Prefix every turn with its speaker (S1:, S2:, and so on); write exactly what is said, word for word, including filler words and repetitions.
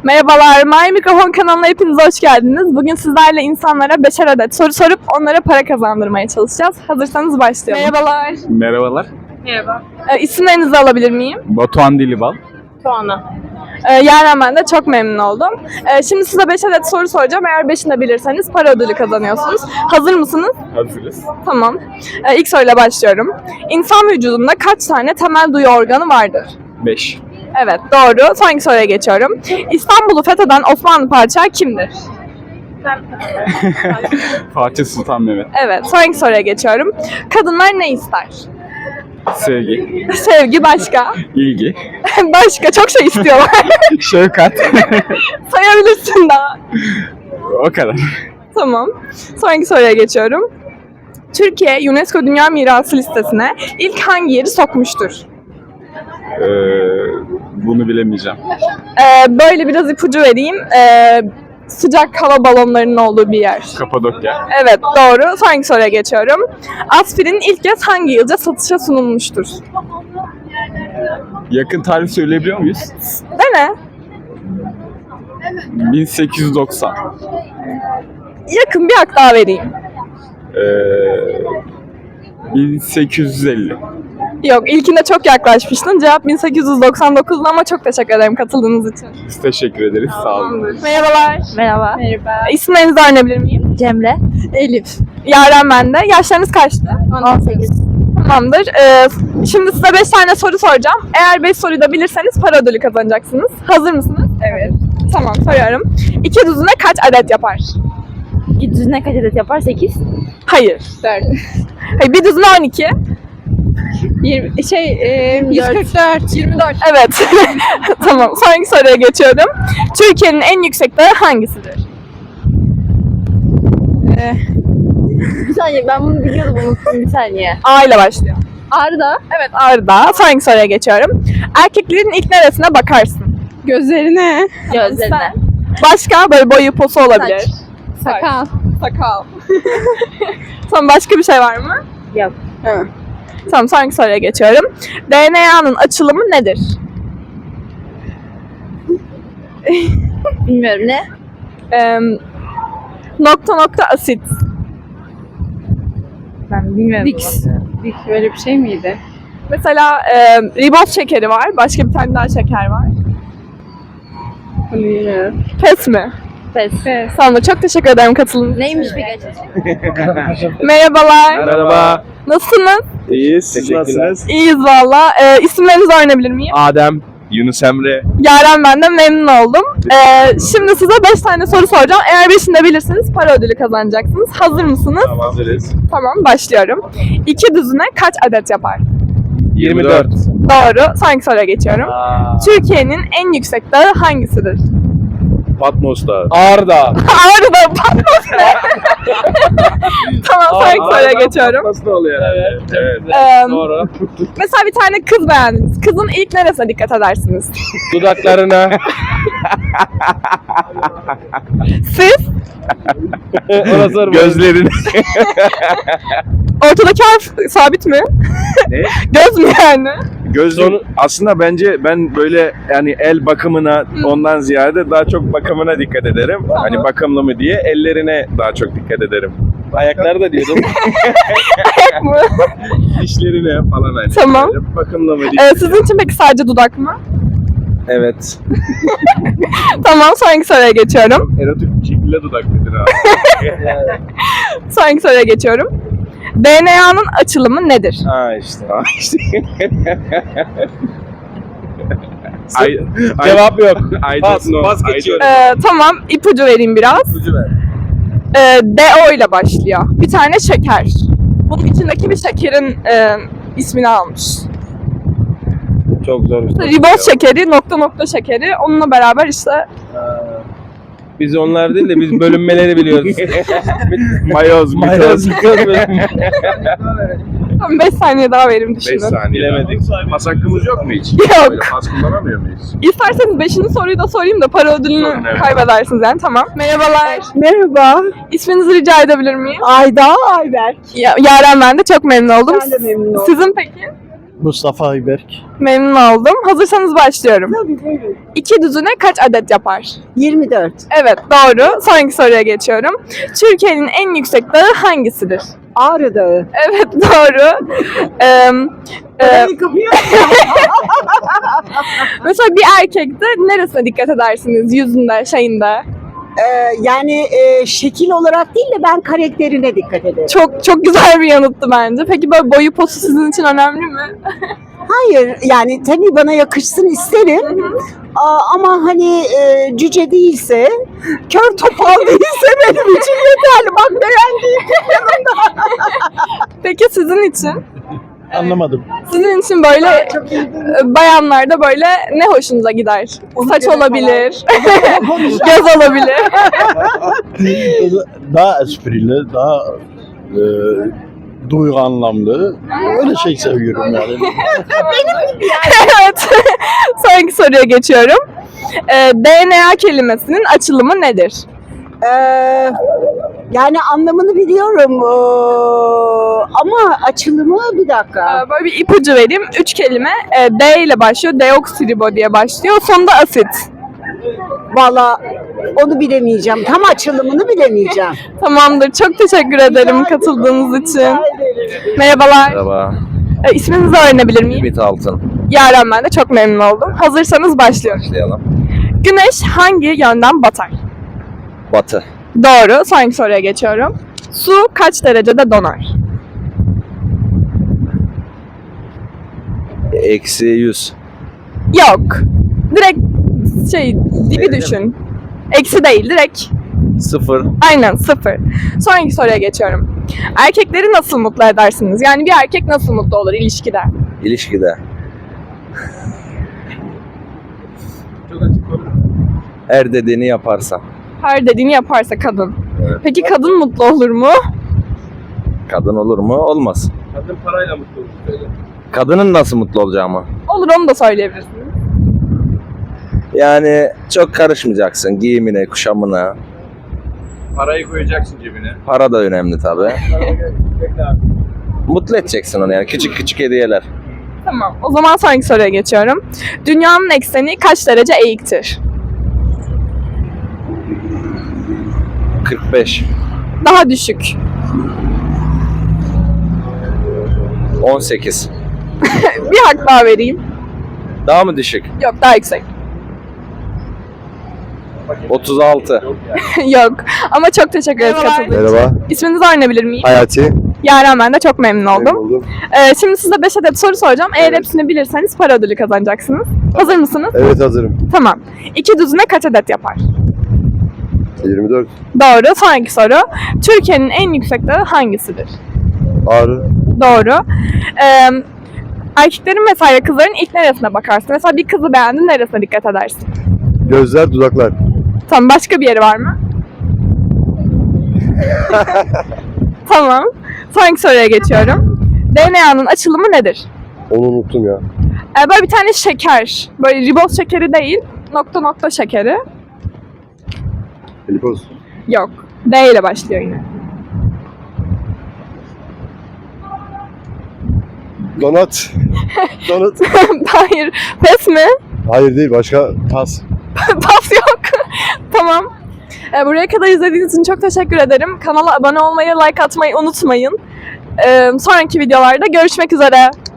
S1: Merhabalar, My Mikrofon kanalına hepiniz hoş geldiniz. Bugün sizlerle insanlara beşer adet soru sorup onlara para kazandırmaya çalışacağız. Hazırsanız başlayalım. Merhabalar.
S2: Merhabalar.
S1: Merhaba. E, isimlerinizi alabilir miyim?
S2: Batuhan Dilibal.
S1: Tuana. E, Yaren, ben de çok memnun oldum. E, şimdi size beş adet soru soracağım. Eğer beşini de bilirseniz para ödülü kazanıyorsunuz. Hazır mısınız?
S2: Hazırız.
S1: Tamam. E, ilk soruyla başlıyorum. İnsan vücudunda kaç tane temel duyu organı vardır?
S2: beş.
S1: Evet, doğru. Sonraki soruya geçiyorum. İstanbul'u fetheden Osmanlı padişahı kimdir?
S2: Fatih Sultan Mehmet.
S1: Evet, sonraki soruya geçiyorum. Kadınlar ne ister?
S2: Sevgi.
S1: Sevgi başka.
S2: İlgi.
S1: Başka çok şey istiyorlar.
S2: Şefkat.
S1: Sayabilirsin daha.
S2: O kadar.
S1: Tamam. Sonraki soruya geçiyorum. Türkiye UNESCO Dünya Mirası listesine ilk hangi yeri sokmuştur?
S2: Ee, bunu bilemeyeceğim.
S1: Ee, böyle biraz ipucu vereyim. Ee, sıcak hava balonlarının olduğu bir yer.
S2: Kapadokya.
S1: Evet, doğru. Sonraki soruya geçiyorum. Aspirin ilk kez hangi yılda satışa sunulmuştur?
S2: Yakın tarih söyleyebiliyor muyuz?
S1: Dene.
S2: bin sekiz yüz doksan.
S1: Yakın bir hak daha vereyim.
S2: Ee, bin sekiz yüz elli.
S1: Yok, ilkinde çok yaklaşmıştın. Cevap bin sekiz yüz doksan dokuz'du ama çok teşekkür ederim katıldığınız için.
S2: Biz teşekkür ederiz. Sağ olun.
S1: Merhabalar.
S3: Merhaba.
S1: Merhaba. İsimlerinizi öğrenebilir miyim?
S3: Cemre.
S1: Elif. Yaren ben de. Yaşlarınız kaçtı?
S3: on sekiz.
S1: Tamamdır. Ee, şimdi size beş tane soru soracağım. Eğer beş soruyu da bilirseniz para ödülü kazanacaksınız. Hazır mısınız? Evet. Tamam, soruyorum. İki düzine kaç adet yapar?
S3: İki düzine kaç adet yapar? sekiz.
S1: Hayır. dört. Hayır, bir düzine on iki.
S3: yirmi, şey, e, yüz kırk dört.
S1: yirmi dört. Evet. Tamam. Sonraki soruya geçiyorum. Türkiye'nin en yüksek dağı hangisidir?
S3: Ee, bir saniye, ben bunu biliyordum, unuttum bir saniye.
S1: A ile başlıyor.
S3: Ağrı'da.
S1: Evet, Ağrı Dağı. Sonraki soruya geçiyorum. Erkeklerin ilk neresine bakarsın?
S3: Gözlerine. Gözlerine.
S1: Başka böyle boyu posu olabilir.
S3: Saç. Sakal.
S1: Sakal. Tamam, başka bir şey var mı?
S3: Yok.
S1: Evet. Tamam, sonraki soruya geçiyorum. D N A'nın açılımı nedir?
S3: Bilmiyorum ne?
S1: Ee, nokta nokta asit.
S3: Ben bilmiyorum.
S1: Dix.
S3: Dix böyle bir şey miydi?
S1: Mesela e, riboz şekeri var. Başka bir tane daha şeker var.
S3: Bunu bilmiyorum.
S1: Pes mi?
S3: Pes.
S1: Tamam, çok teşekkür ederim katıldığınız için.
S3: Neymiş peki?
S1: Merhabalar.
S4: Merhaba.
S1: Nasılsınız?
S4: İyiyiz. Siz nasılsınız?
S1: İyiyiz valla. Ee, isimlerinizi öğrenebilir miyim?
S4: Adem, Yunus Emre.
S1: Yaren, ben de memnun oldum. Ee, şimdi size beş tane soru soracağım. Eğer beşini de bilirseniz para ödülü kazanacaksınız. Hazır mısınız?
S4: Tamam, hazırız.
S1: Tamam, başlıyorum. İki düzine kaç adet yapar?
S4: yirmi dört.
S1: Doğru. Sonraki soruya geçiyorum.
S4: Aa,
S1: Türkiye'nin en yüksek dağı hangisidir?
S4: Patmos Dağı. Ağrı Dağı.
S1: Ağrı Dağı, Patmos ne? Tamam, sonraki soruya geçiyorum.
S4: Nasıl oluyor? Evet. Evet.
S1: Ee,
S4: Doğru.
S1: mesela bir tane kız beğendiniz. Kızın ilk neresine dikkat edersiniz?
S4: Dudaklarına.
S1: Siz?
S4: Ona sorma. Gözlerini.
S1: Ortadaki harf sabit mi?
S4: Ne?
S1: Göz mü yani?
S4: Gözün aslında bence ben böyle yani el bakımına ondan ziyade daha çok bakımına dikkat ederim. Hani bakımlı mı diye ellerine daha çok dikkat ederim. Ayakları da diyordum.
S1: Ayak mı?
S4: Dişlerine falan hani.
S1: Tamam.
S4: Böyle bakımlı mı diye.
S1: Ee, sizin için peki sadece dudak mı?
S4: Evet.
S1: Tamam, sonraki soruya geçiyorum.
S4: Çok erotik bir şekilde dudak dedin abi.
S1: Sonraki soruya geçiyorum. D N A'nın açılımı nedir?
S4: Ha işte. Ha işte. Ay,
S5: Cevap yok.
S4: I
S5: Pas,
S4: don't know.
S5: pas
S4: I
S5: geçiyorum.
S1: Ee, tamam, ipucu vereyim biraz.
S4: ipucu ver.
S1: Ee, D O ile başlıyor. Bir tane şeker. Bunun içindeki bir şekerin e, ismini almış.
S4: Çok zor.
S1: Riboz şekeri, nokta nokta şekeri. Onunla beraber işte
S5: Biz onlar değil de biz bölünmeleri biliyoruz.
S4: Mayoz,
S5: Mayoz,
S4: mitoz.
S1: beş saniye daha verim
S4: beş
S1: düşünün.
S4: saniye.
S5: Bilemedik.
S4: Pas hakkımız yok mu hiç?
S1: Yok.
S4: Böyle pas kullanamıyor muyuz?
S1: İsterseniz beşinci soruyu da sorayım da para ödülünü
S4: Sorun, evet.
S1: kaybedersiniz yani. Tamam. Merhabalar.
S6: Merhaba.
S1: İsminizi rica edebilir miyim?
S6: Ayda Ayberk.
S1: Ya, Yaren, ben de çok memnun oldum.
S6: Ben de memnun oldum.
S1: Sizin peki?
S6: Mustafa Ayberk.
S1: Memnun oldum. Hazırsanız başlıyorum. İki düzine kaç adet yapar?
S3: yirmi dört.
S1: Evet, doğru. Sonraki soruya geçiyorum. Türkiye'nin en yüksek dağı hangisidir?
S3: Ağrı Dağı.
S1: Evet, doğru. Ee, e, mesela bir erkekte neresine dikkat edersiniz? Yüzünde, şeyinde.
S7: Ee, yani e, şekil olarak değil de ben karakterine dikkat ederim.
S1: Çok çok güzel bir yanıttı bence. Peki böyle boyu posu sizin için önemli mi?
S7: Hayır, yani tabii bana yakışsın isterim. Aa, ama hani e, cüce değilse, kör topal değilse benim için yeterli. Bak beğendiğim yanımda.
S1: Peki sizin için?
S6: Anlamadım.
S1: Sizin için böyle e, bayanlarda böyle ne hoşunuza gider? Saç olabilir, göz olabilir.
S6: Daha esprili, daha e, duygu anlamlı. Öyle şey seviyorum yani.
S1: Evet. Sonraki soruya geçiyorum. E, D N A kelimesinin açılımı nedir?
S7: Ee, yani anlamını biliyorum ee, ama açılımı bir dakika.
S1: E, böyle bir ipucu vereyim. Üç kelime e, D ile başlıyor. Deoksiribo diye başlıyor. Sonunda asit.
S7: Valla onu bilemeyeceğim. Tam açılımını bilemeyeceğim.
S1: Tamamdır. Çok teşekkür ederim katıldığınız için. Merhabalar.
S5: Merhaba.
S1: E, isminizi öğrenebilir miyim?
S5: Ümit Altın.
S1: Yaren, ben de çok memnun oldum. Hazırsanız başlıyorum.
S5: Başlayalım.
S1: Güneş hangi yönden batar?
S5: Batı.
S1: Doğru. Sonraki soruya geçiyorum. Su kaç derecede donar?
S5: Eksi yüz.
S1: Yok. Direkt şey dibi düşün. Eksi değil, direkt.
S5: Sıfır.
S1: Aynen, sıfır. Sonraki soruya geçiyorum. Erkekleri nasıl mutlu edersiniz? Yani bir erkek nasıl mutlu olur ilişkide?
S5: İlişkide. Her dediğini yaparsa.
S1: Her dediğini yaparsa kadın.
S5: Evet.
S1: Peki kadın mutlu olur mu?
S5: Kadın olur mu? Olmaz.
S2: Kadın parayla mutlu olur.
S5: Kadının nasıl mutlu olacağı mı?
S1: Olur, onu da söyleyebilirsiniz.
S5: Yani çok karışmayacaksın giyimine, kuşamına.
S2: Parayı koyacaksın cebine.
S5: Para da önemli tabii. Mutlu edeceksin onu yani. Küçük küçük hediyeler.
S1: Tamam. O zaman sonraki soruya geçiyorum. Dünyanın ekseni kaç derece eğiktir?
S5: kırk beş.
S1: Daha düşük.
S5: on sekiz.
S1: Bir hak daha vereyim.
S5: Daha mı düşük?
S1: Yok, daha yüksek.
S5: otuz altı.
S1: Yok. Ama çok teşekkür ederiz katıldığınız için.
S8: Merhaba,
S1: İsminizi öğrenebilir miyim?
S8: Hayati.
S1: Yaren, ben de çok memnun oldum.
S8: Memnun oldum.
S1: Ee, şimdi size beş adet soru soracağım. Eğer
S8: Evet.
S1: hepsini bilirseniz para ödülü kazanacaksınız. Hazır mısınız?
S8: Evet, hazırım.
S1: Tamam. İki düzine kaç adet yapar?
S8: yirmi dört.
S1: Doğru. Sonraki soru. Türkiye'nin en yüksek dağı hangisidir?
S8: Ağrı.
S1: Doğru. Ee, erkeklerin mesela kızların ilk neresine bakarsın? Mesela bir kızı beğendin, neresine dikkat edersin?
S8: Gözler, dudaklar.
S1: Tamam. Başka bir yeri var mı? Tamam. Sonraki soruya geçiyorum. D N A'nın açılımı nedir?
S8: Onu unuttum ya.
S1: Ee, böyle bir tane şeker. Böyle riboz şekeri değil. Nokta nokta şekeri.
S8: Glipoz.
S1: Yok. D ile başlıyor yine.
S8: Donat. Donat.
S1: Hayır. Pes mi?
S8: Hayır değil, başka pas.
S1: Pas yok. Tamam. Ee, buraya kadar izlediğiniz için çok teşekkür ederim. Kanala abone olmayı, like atmayı unutmayın. Ee, sonraki videolarda görüşmek üzere.